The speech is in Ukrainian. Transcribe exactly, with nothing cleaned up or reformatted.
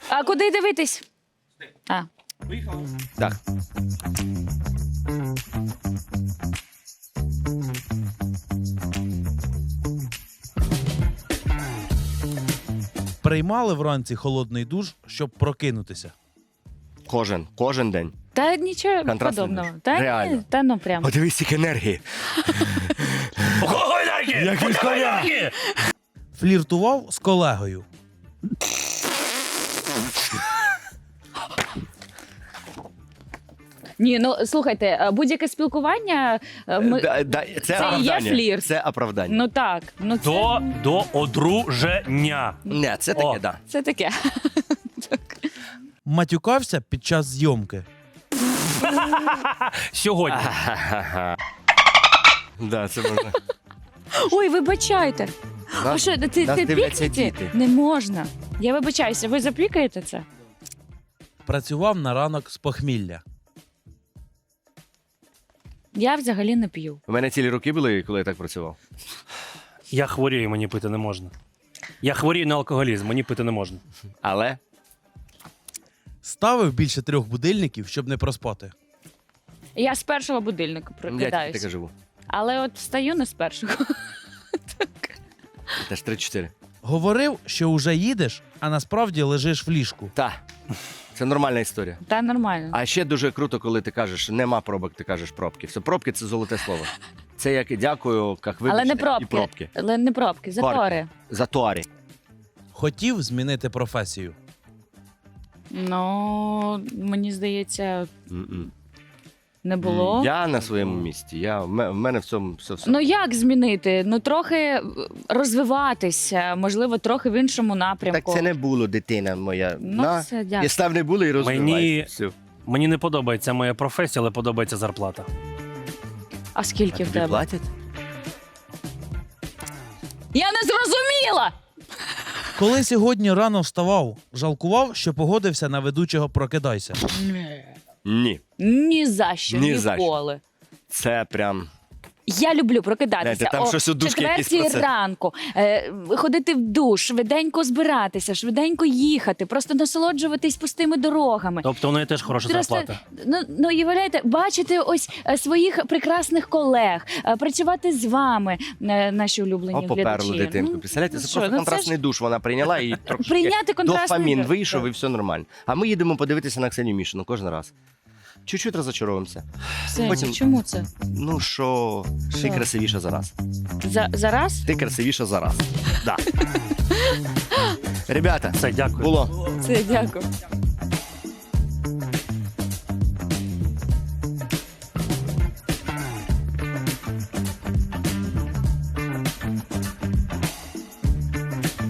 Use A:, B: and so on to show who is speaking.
A: А куди дивитись? А.
B: Так.
C: Приймали вранці холодний душ, щоб прокинутися.
B: Кожен, кожен день.
A: Та нічого
B: Контрастний
A: подобного.
B: душ.
A: Та
B: Реально.
A: ні, та ну прям.
B: Подивись, скільки енергії.
D: Ого, енергії!
B: Як від коня!
D: Енергії!
C: Фліртував з колегою.
A: Ні, ну слухайте, будь-яке спілкування е, ми...
B: Да, да, це,
A: Це і є
B: оправдання.
A: флірт.
B: Це оправдання.
A: Ну так, ну це,
D: До, до одруження.
B: Не, це таке,
D: О.
B: так. Да.
A: це таке.
C: Матюкався під час зйомки.
D: Сьогодні.
B: Да, це можна.
A: Ой, вибачайте. А
B: Нас-
A: що, ти,
B: нас
A: ти
B: дивляться
A: пікнете?
B: діти.
A: Не можна. Я вибачаюся, ви запікаєте це?
C: Працював на ранок з похмілля.
A: Я взагалі не п'ю.
B: У мене цілі роки були, коли я так працював.
D: Я хворію, мені пити не можна. Я хворію на алкоголізм, мені пити не можна.
B: Але
C: Ставив більше трьох будильників, щоб не проспати.
A: Я з першого будильника
B: я тільки
A: прокидаюсь.
B: таке живу.
A: Але от встаю не з першого.
B: Теж три-чотири.
C: Говорив, що уже їдеш, а насправді лежиш в ліжку.
B: Так. Це нормальна історія.
A: Та нормально.
B: А ще дуже круто, коли ти кажеш, нема пробок, ти кажеш пробки. Все, пробки це золоте слово. Це як і дякую, як вибачте,
A: Але не
B: і
A: пробки.
B: пробки.
A: Але не пробки, затори.
B: Затори.
C: Хотів змінити професію.
A: Ну, мені здається,
B: М-м.
A: не було.
B: Я на своєму місці. Я, в ме- в мене в цьому все. все.
A: Ну як змінити? Ну трохи розвиватися, можливо, трохи в іншому напрямку.
B: Так це не було, дитина моя.
A: Ну,
B: На.
A: все, дякую.
B: І став не було і розвивайся.
D: Мені-
B: Все.
D: Мені не подобається моя професія, але подобається зарплата.
A: А скільки
B: А
A: в
B: тобі
A: тебе?
B: платять?
A: Я не зрозуміла!
C: Коли сьогодні рано вставав, жалкував, що погодився на ведучого «Прокидайся».
B: Ні.
A: Ні за що,
B: Ні за що.
A: ніколи.
B: Це прям.
A: Я люблю прокидатися
B: Знаєте, там
A: о
B: щось у душки якийсь
A: четвертій
B: процес.
A: ранку, е, ходити в душ, швиденько збиратися, швиденько їхати, просто насолоджуватись пустими дорогами.
D: Тобто у неї теж хороша
A: Просто,
D: зарплата.
A: ну, ну, уявляєте, бачити ось е, своїх прекрасних колег, е, працювати з вами, е, наші улюблені
B: О, поперлу
A: глядачі.
B: дитинку.
A: Ну,
B: Представляєте, це
A: що,
B: просто
A: ну,
B: контрастний
A: ж
B: душ вона прийняла і трошки
A: Прийняти контрастний
B: дофамін
A: душ,
B: вийшов
A: так.
B: і все нормально. А ми їдемо подивитися на Ксенію Мішину кожен раз. Чуть-чуть розочаровуємося.
A: Все,
B: Потім-
A: чому це?
B: Ну що, ти
A: Що?
B: красивіша за раз.
A: За, зараз?
B: Ти красивіша за раз. Да. Ребята,
D: Все, дякую.
B: було.
A: Це дякую.